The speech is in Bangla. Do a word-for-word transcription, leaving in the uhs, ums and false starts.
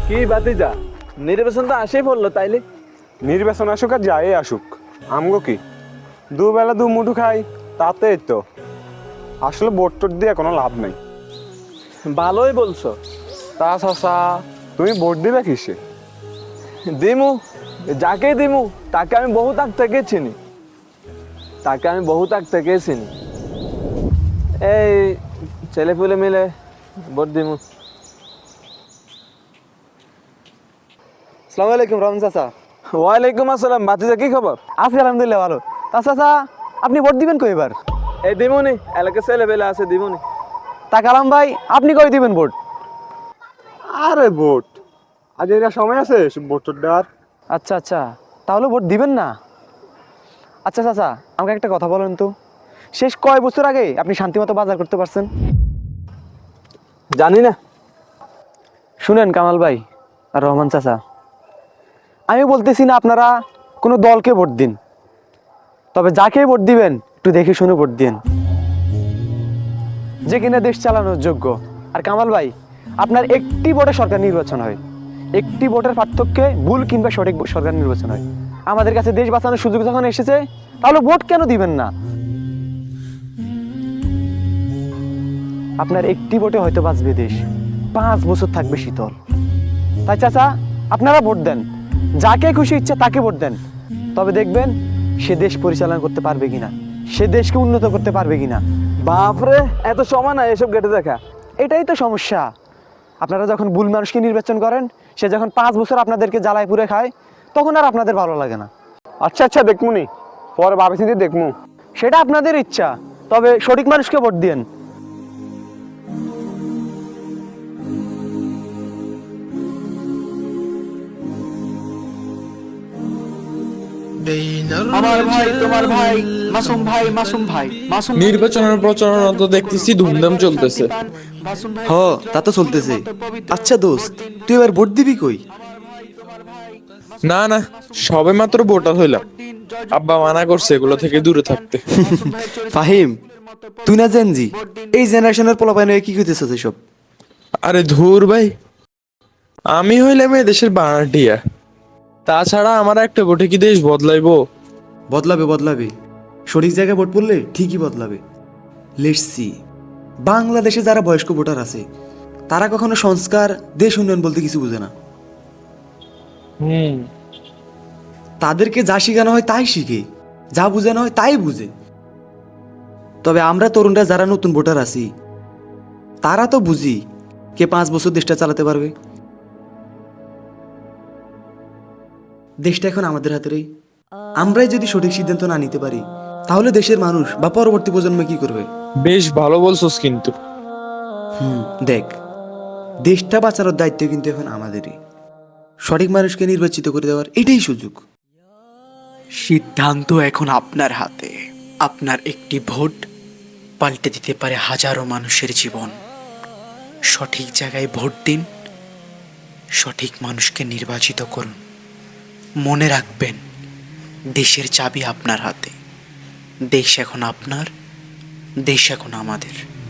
কি বাতিজা, নির্বাচন তো আসেই পড়লো তাইলে। নির্বাচন আসুক আর যাই আসুক, আমগো কি দুবেলা দু মুঠু খাই, তাতে তো আসলে ভোট টোট দিয়ে কোনো লাভ নেই। ভালোই বলছো। তা চাচা, তুমি ভোট দিবে কিসে? দিমু, যাকেই দিমু তাকে আমি বহুত আগ থেকে চিনি, তাকে আমি বহুত আগ থেকে চিনি। এই ছেলে পুলে মিলে ভোট দিমু। আসসালামু আলাইকুম রহমান চাচা। ওয়ালাইকুম আসসালাম। বাতিজা কি খবর? আছি আলহামদুলিল্লাহ ভালো। তা চাচা, আপনি ভোট দিবেন কই এবার? এই দিমুনি, এলাকার ছেলে পেলে আছে দিমুনি। তা কালাম ভাই, আপনি কই দিবেন ভোট? আরে ভোট আজ এরা সময় আছে ভোট টোট দেওয়ার? আচ্ছা আচ্ছা, তাহলে ভোট দিবেন না? আচ্ছা চাচা, আমাকে একটা কথা বলেন তো, শেষ কয় বছর আগে আপনি শান্তিমতো বাজার করতে পারছেন? জানি না। শুনেন কামাল ভাই আর রহমান চাচা, আমি বলতেছি না আপনারা কোনো দলকে ভোট দিন, তবে যাকে ভোট দিবেন একটু দেখে শুনে ভোট দিন, যে কিনা দেশ চালানোর যোগ্য। আর কামাল ভাই, আপনার একটি ভোটে সরকার নির্বাচন হয়, একটি ভোটের পার্থক্যে ভুল কিংবা সঠিক সরকার নির্বাচন হয়। আমাদের কাছে দেশ বাঁচানোর সুযোগ যখন এসেছে, তাহলে ভোট কেন দিবেন না? আপনার একটি ভোটে হয়তো বাঁচবে দেশ, পাঁচ বছর থাকবে শীতল। তাই চাচা, আপনারা ভোট দেন, যাকে খুশি ইচ্ছা তাকে ভোট দেন, তবে দেখবেন সে দেশ পরিচালনা করতে পারবে কিনা, সে দেশকে উন্নত করতে পারবে কিনা। বাপরে, এত সময় না এসব গেটে দেখা। এটাই তো সমস্যা। আপনারা যখন ভুল মানুষকে নির্বাচন করেন, সে যখন পাঁচ বছর আপনাদেরকে জ্বালায় পুড়ে খায়, তখন আর আপনাদের ভালো লাগে না। আচ্ছা আচ্ছা, দেখমুনি, পরে ভাবি চিন্তে দেখমু। সেটা আপনাদের ইচ্ছা, তবে সঠিক মানুষকে ভোট দিন। আমার ভাই, তোমার ভাই, মাসুম ভাই, মাসুম ভাই, মাসুম নির্বাচনের প্রচারণা তো দেখতেছি ধুমধাম চলতেছে। হ, তা তো চলতেছে। আচ্ছা দোস্ত, তুই এবার ভোট দিবি কই? না না, সবে মাত্র ভোটার হইলাম, আব্বা মানা করছে এগুলো থেকে দূরে থাকতে। ফাহিম, তুই না জেনজি, এই জেনারেশনের পোলাপাইন হয়ে কি কইতেছিস এসব? আরে ধুর ভাই, আমি হইলাম এই দেশের বানাটিয়া, তাছাড়া আমার একটা ভোটে কি দেশ বদলাইবো? বদলাবে বদলাবে, সঠিক জায়গায় ভোট পড়লে ঠিকই বদলাবে। লেটসি, বাংলাদেশে যারা বয়স্ক ভোটার আছে, তারা কখনো সংস্কার, দেশ উন্নয়ন বলতে কিছু বুঝে না। হুম, তাদেরকে যা শেখানো হয় তাই শিখে, যা বোঝানো হয় তাই বুঝে। তবে আমরা তরুণরা যারা নতুন ভোটার আছি, তারা তো বুঝি কে পাঁচ বছর দেশটা চালাতে পারবে। দেশটা এখন আমাদের হাতেরই। আমরাই যদি সঠিক সিদ্ধান্ত না নিতে পারি, তাহলে দেশের মানুষ বা পরবর্তী প্রজন্ম কি করবে? বেশ ভালো বলছোস কিন্তু। হুম, দেখ, দেশটা বাঁচানোর দায়িত্ব কিন্তু এখন আমাদেরই। সঠিক মানুষকে নির্বাচিত করে দেওয়ার এটাই সুযোগ। সিদ্ধান্ত এখন আপনার হাতে। আপনার একটি ভোট পাল্টে দিতে পারে হাজারো মানুষের জীবন। সঠিক জায়গায় ভোট দিন, সঠিক মানুষকে নির্বাচিত করুন। মনে রাখবেন, দেশের চাবি আপনার হাতে। দেশ এখন আপনার, দেশ এখন আমাদের।